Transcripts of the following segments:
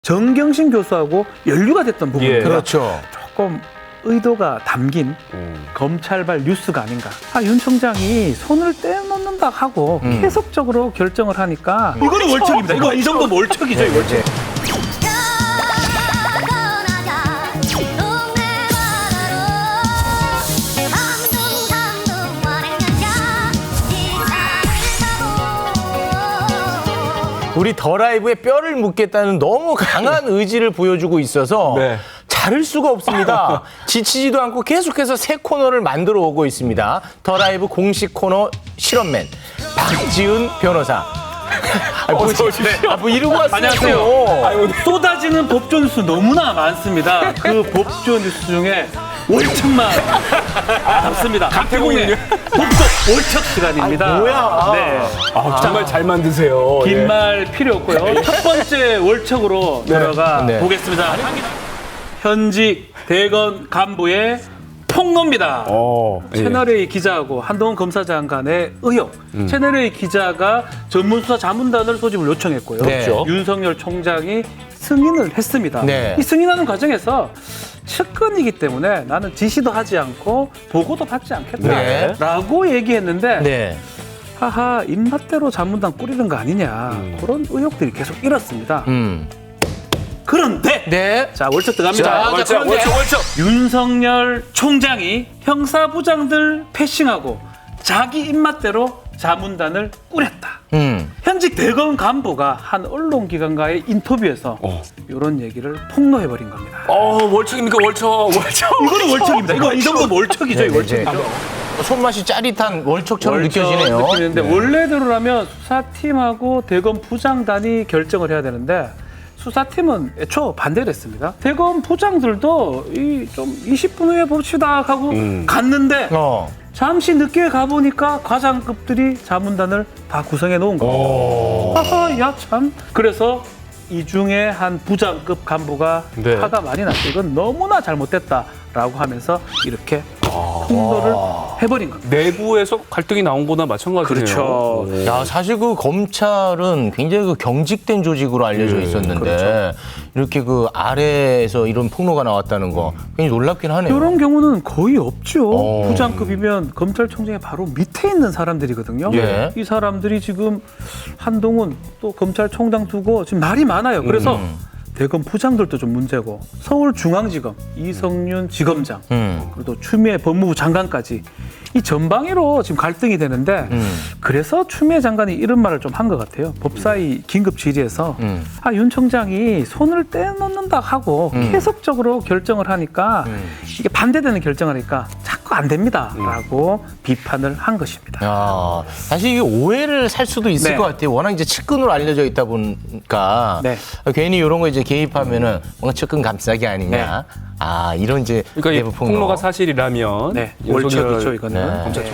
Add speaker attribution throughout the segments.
Speaker 1: 정경심 교수하고 연루가 됐던 부분입니다.
Speaker 2: 예.
Speaker 3: 그렇죠.
Speaker 1: 조금 의도가 담긴 검찰발 뉴스가 아닌가. 윤 청장이 손을 떼놓는다 하고 계속적으로 결정을 하니까 이거는 월척입니다. 이거 이 정도면 월척이죠. 이 월척.
Speaker 3: 우리 더 라이브에 뼈를 묻겠다는 너무 강한 의지를 보여주고 있어서
Speaker 2: 네.
Speaker 3: 자를 수가 없습니다. 지치지도 않고 계속해서 새 코너를 만들어 오고 있습니다. 더 라이브 공식 코너 실험맨 박지훈 변호사. 뭐 이러고 왔어요.
Speaker 1: 안녕하세요. 쏟아지는 법조 뉴스 너무나 많습니다. 그 법조 뉴스 중에 월척만 남습니다. 강태공의 법조 월척 시간입니다.
Speaker 3: 뭐야?
Speaker 1: 네.
Speaker 2: 정말 잘 만드세요.
Speaker 1: 긴 말 필요 없고요. 첫 번째 월척으로 들어가
Speaker 3: 네.
Speaker 1: 보겠습니다. 현직 대검 간부의 폭로입니다. 채널A 기자하고 한동훈 검사장 간의 의혹. 채널A 기자가 전문수사 자문단을 소집을 요청했고요.
Speaker 3: 네.
Speaker 1: 윤석열 총장이 승인을 했습니다.
Speaker 3: 네.
Speaker 1: 이 승인하는 과정에서 측근이기 때문에 나는 지시도 하지 않고 보고도 받지 않겠다라고 얘기했는데
Speaker 3: 네.
Speaker 1: 하하 입맛대로 자문단 꾸리는 거 아니냐 그런 의혹들이 계속 일었습니다. 그런데
Speaker 3: 네.
Speaker 1: 자 월척 들어갑니다.
Speaker 3: 월척.
Speaker 1: 윤석열 총장이 형사부장들 패싱하고 자기 입맛대로 자문단을 꾸렸다. 현직 대검 간부가 한 언론기관과의 인터뷰에서 이런 얘기를 폭로해버린 겁니다.
Speaker 2: 월척입니까? 월척.
Speaker 1: 이거는 월척입니다. 이거 이 정도면 월척이죠. 이 월척이죠.
Speaker 3: 손맛이 짜릿한 월척처럼
Speaker 1: 월척
Speaker 3: 느껴지네요.
Speaker 1: 느끼는데 원래대로라면 수사팀하고 대검 부장단이 결정을 해야 되는데 수사팀은 애초 반대를 했습니다. 대검 부장들도 좀 20분 후에 봅시다 하고 갔는데 잠시 늦게 가보니까 과장급들이 자문단을 다 구성해 놓은 거예요. 하하, 야 참. 그래서 이 중에 한 부장급 간부가
Speaker 2: 네.
Speaker 1: 화가 많이 났어. 이건 너무나 잘못됐다라고 하면서 이렇게 폭로를 해버린 겁니다.
Speaker 2: 내부에서 갈등이 나온 거나 마찬가지네요.
Speaker 1: 그렇죠.
Speaker 3: 야, 사실 그 검찰은 굉장히 그 경직된 조직으로 알려져 있었는데
Speaker 1: 그렇죠.
Speaker 3: 이렇게 그 아래에서 이런 폭로가 나왔다는 거 굉장히 놀랍긴 하네요.
Speaker 1: 이런 경우는 거의 없죠.
Speaker 3: 어.
Speaker 1: 부장급이면 검찰총장의 바로 밑에 있는 사람들이거든요.
Speaker 3: 예.
Speaker 1: 이 사람들이 지금 한동훈 또 검찰총장 두고 지금 말이 많아요. 그래서 대검 부장들도 좀 문제고 서울중앙지검 이성윤 지검장 그리고 또 추미애 법무부 장관까지 이 전방위로 지금 갈등이 되는데 그래서 추미애 장관이 이런 말을 좀 한 것 같아요. 법사위 긴급 질의에서 윤 청장이 손을 떼놓는다 하고 계속적으로 결정을 하니까 이게 반대되는 결정을 하니까 자꾸 안 됩니다라고 비판을 한 것입니다.
Speaker 3: 야, 사실 이게 오해를 살 수도 있을
Speaker 1: 네.
Speaker 3: 것 같아요. 워낙 이제 측근으로 알려져 있다 보니까
Speaker 1: 네.
Speaker 3: 괜히 이런 거 이제 개입하면은 뭔가 측근 감싸기 아니냐. 이런 이제
Speaker 2: 그러니까 이
Speaker 3: 내부 폭로.
Speaker 2: 폭로가 사실이라면
Speaker 1: 네,
Speaker 2: 윤석열
Speaker 1: 월척이죠 이거는.
Speaker 3: 네.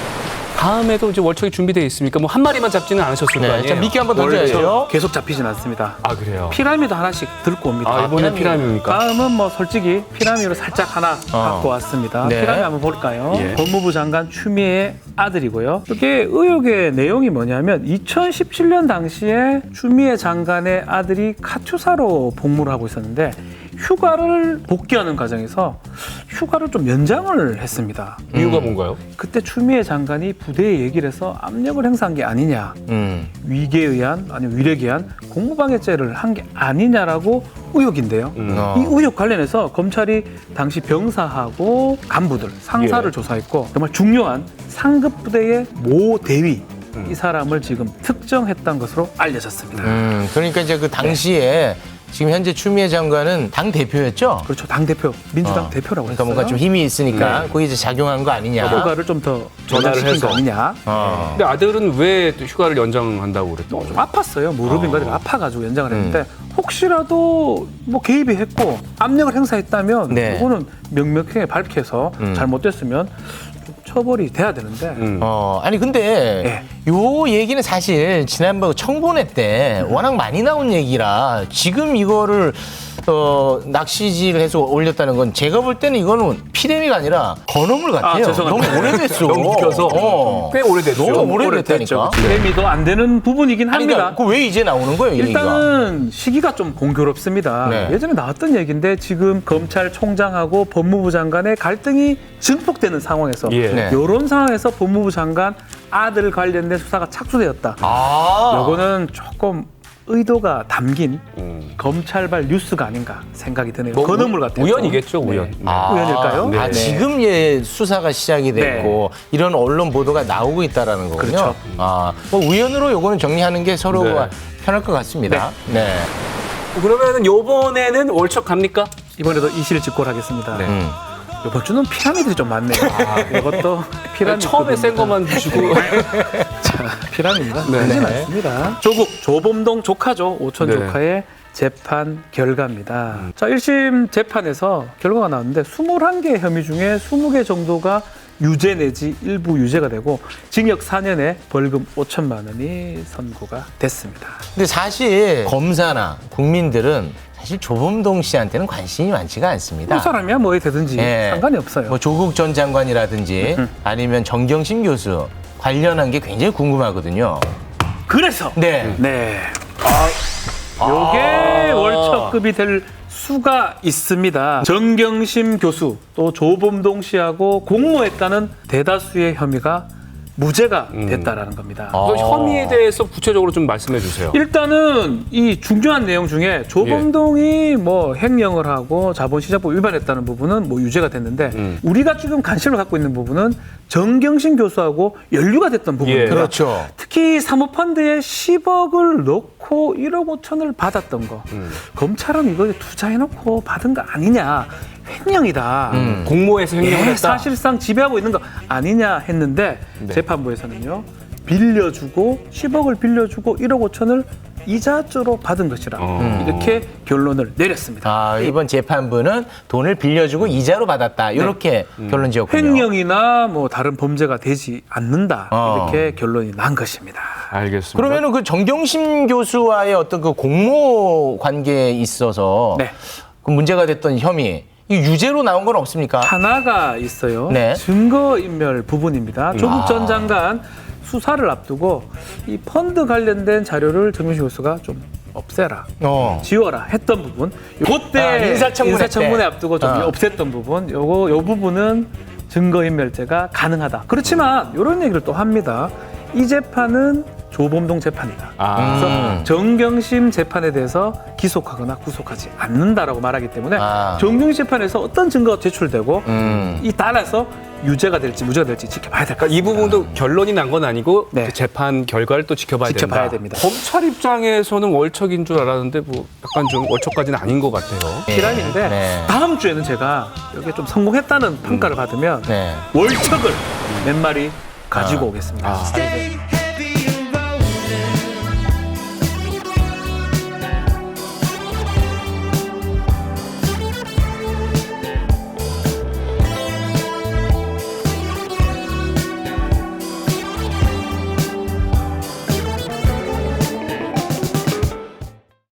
Speaker 2: 다음에도 이제 월척이 준비되어 있으니까 뭐 한 마리만 잡지는 않으셨을 거
Speaker 3: 네,
Speaker 2: 아니에요?
Speaker 3: 자, 미끼 한번 던져야죠.
Speaker 1: 계속 잡히진 않습니다.
Speaker 2: 아 그래요?
Speaker 1: 피라미드 하나씩 들고 옵니다.
Speaker 2: 이번에 피라미드입니까?
Speaker 1: 다음은 뭐 솔직히 피라미드로 살짝 하나 갖고 왔습니다.
Speaker 3: 네.
Speaker 1: 피라미드 한번 볼까요?
Speaker 2: 예.
Speaker 1: 법무부 장관 추미애 아들이고요. 이게 의혹의 내용이 뭐냐면 2017년 당시에 추미애 장관의 아들이 카투사로 복무를 하고 있었는데 휴가를 복귀하는 과정에서 휴가를 좀 연장을 했습니다.
Speaker 2: 이유가 뭔가요?
Speaker 1: 그때 추미애 장관이 부대에 얘기를 해서 압력을 행사한 게 아니냐. 위계에 의한 아니면 위력에 의한 공무방해죄를 한 게 아니냐라고 의혹인데요. 이 의혹 관련해서 검찰이 당시 병사하고 간부들, 상사를 조사했고 정말 중요한 상급 부대의 모 대위 이 사람을 지금 특정했던 것으로 알려졌습니다.
Speaker 3: 그러니까 이제 그 당시에 지금 현재 추미애 장관은 당 대표였죠.
Speaker 1: 그렇죠. 당대표, 민주당 대표라고
Speaker 3: 그러니까
Speaker 1: 했어요.
Speaker 3: 뭔가 좀 힘이 있으니까 거기 이제 작용한 거 아니냐.
Speaker 1: 휴가를 좀 더
Speaker 2: 전화를
Speaker 1: 전달시킨
Speaker 2: 해서.
Speaker 1: 거 아니냐.
Speaker 2: 근데 아들은 왜 또 휴가를 연장한다고 그랬던
Speaker 1: 좀
Speaker 2: 거죠?
Speaker 1: 아팠어요. 무릎인가 아파가지고 연장을 했는데 혹시라도 뭐 개입이 했고 압력을 행사했다면
Speaker 3: 네.
Speaker 1: 이거는 명명하게 밝혀서 잘못됐으면 좀 처벌이 돼야 되는데
Speaker 3: 아니 근데
Speaker 1: 예.
Speaker 3: 요 얘기는 사실 지난번 청본회 때 워낙 많이 나온 얘기라 지금 이거를 낚시질을 해서 올렸다는 건 제가 볼 때는 이거는 피레미가 아니라 건어물 같아요.
Speaker 1: 죄송합니다.
Speaker 3: 너무 오래됐어.
Speaker 2: 넘겨서 꽤 오래됐죠.
Speaker 3: 너무 오래됐다니까.
Speaker 1: 재미도 안 되는 부분이긴 합니다.
Speaker 3: 그러니까 왜 이제 나오는 거예요, 이 얘기가?
Speaker 1: 일단은 시기가 좀 공교롭습니다.
Speaker 3: 네.
Speaker 1: 예전에 나왔던 얘기인데 지금 검찰총장하고 법무부 장관의 갈등이 증폭되는 상황에서
Speaker 2: 예.
Speaker 3: 네.
Speaker 1: 이런 상황에서 법무부 장관 아들 관련된 수사가 착수되었다. 요거는 조금 의도가 담긴 검찰발 뉴스가 아닌가 생각이 드네요.
Speaker 2: 뭐
Speaker 1: 건어물 같아요.
Speaker 2: 우연이겠죠, 우연. 네.
Speaker 1: 우연일까요?
Speaker 3: 아,
Speaker 2: 네.
Speaker 3: 지금 수사가 시작이 됐고 이런 언론 보도가 나오고 있다라는 거군요.
Speaker 1: 그렇죠.
Speaker 3: 뭐 우연으로 요거는 정리하는 게 서로가
Speaker 2: 네.
Speaker 3: 편할 것 같습니다. 네.
Speaker 2: 그러면은 요번에는 월척 갑니까?
Speaker 1: 이번에도 이실직고하겠습니다.
Speaker 2: 네.
Speaker 1: 이번 주는 피라미드이 좀 많네요. 이것도 피라미드.
Speaker 2: 처음에 센 것만 주시고.
Speaker 1: 피라미드가
Speaker 2: 네.
Speaker 1: 크진
Speaker 3: 네.
Speaker 1: 않습니다. 조국 조범동 조카죠. 오촌
Speaker 2: 네.
Speaker 1: 조카의 재판 결과입니다. 자, 1심 재판에서 결과가 나왔는데 21개 혐의 중에 20개 정도가 유죄 내지 일부 유죄가 되고 징역 4년에 벌금 5천만 원이 선고가 됐습니다.
Speaker 3: 근데 사실 검사나 국민들은 사실 조범동 씨한테는 관심이 많지가 않습니다.
Speaker 1: 그 사람이야 뭐에 되든지
Speaker 3: 예.
Speaker 1: 상관이 없어요.
Speaker 3: 뭐 조국 전 장관이라든지 아니면 정경심 교수 관련한 게 굉장히 궁금하거든요.
Speaker 1: 그래서
Speaker 3: 네.
Speaker 1: 네. 요게 월척급이 될 수가 있습니다. 정경심 교수 또 조범동 씨하고 공모했다는 대다수의 혐의가 무죄가 됐다라는 겁니다.
Speaker 2: 그 혐의에 대해서 구체적으로 좀 말씀해 주세요.
Speaker 1: 일단은 이 중요한 내용 중에 조범동이 뭐 횡령을 하고 자본시장법 위반했다는 부분은 뭐 유죄가 됐는데 우리가 지금 관심을 갖고 있는 부분은 정경심 교수하고 연루가 됐던 부분입니다.
Speaker 2: 예.
Speaker 3: 그렇죠.
Speaker 1: 특히 사모펀드에 10억을 넣고 1억 5천을 받았던 거. 검찰은 이거 투자해놓고 받은 거 아니냐. 횡령이다.
Speaker 2: 공모해서 횡령을
Speaker 1: 예,
Speaker 2: 했다.
Speaker 1: 사실상 지배하고 있는 거 아니냐 했는데 재판부에서는요. 빌려주고 10억을 빌려주고 1억 5천을 이자조로 받은 것이라 이렇게 결론을 내렸습니다.
Speaker 3: 이번 재판부는 돈을 빌려주고 이자로 받았다. 이렇게 결론 지었군요.
Speaker 1: 횡령이나 뭐 다른 범죄가 되지 않는다. 이렇게 결론이 난 것입니다.
Speaker 2: 알겠습니다.
Speaker 3: 그러면은 그 정경심 교수와의 어떤 그 공모 관계에 있어서
Speaker 1: 네.
Speaker 3: 그 문제가 됐던 혐의 이 유죄로 나온 건 없습니까?
Speaker 1: 하나가 있어요.
Speaker 3: 네.
Speaker 1: 증거인멸 부분입니다. 조국 전 장관 수사를 앞두고 이 펀드 관련된 자료를 정경심 교수가 좀 없애라, 지워라 했던 부분. 그때 인사청문회 앞두고 좀 없앴던 부분. 요 부분은 증거인멸죄가 가능하다. 그렇지만 이런 얘기를 또 합니다. 이 재판은 조범동 재판이다. 그래서 정경심 재판에 대해서 기소하거나 구속하지 않는다라고 말하기 때문에 정경심 재판에서 어떤 증거가 제출되고 이 따라서 유죄가 될지 무죄가 될지 지켜봐야 될 것 같습니다.
Speaker 2: 이 부분도 결론이 난 건 아니고
Speaker 1: 네.
Speaker 2: 그 재판 결과를 또 지켜봐야
Speaker 1: 됩니다.
Speaker 2: 검찰 입장에서는 월척인 줄 알았는데 뭐 약간 좀 월척까지는 아닌 것 같아요.
Speaker 1: 피라미인데
Speaker 3: 네.
Speaker 1: 다음 주에는 제가 여기에 좀 성공했다는 평가를 받으면
Speaker 3: 네.
Speaker 1: 월척을 몇 마리 가지고 오겠습니다.
Speaker 2: 알겠습니다.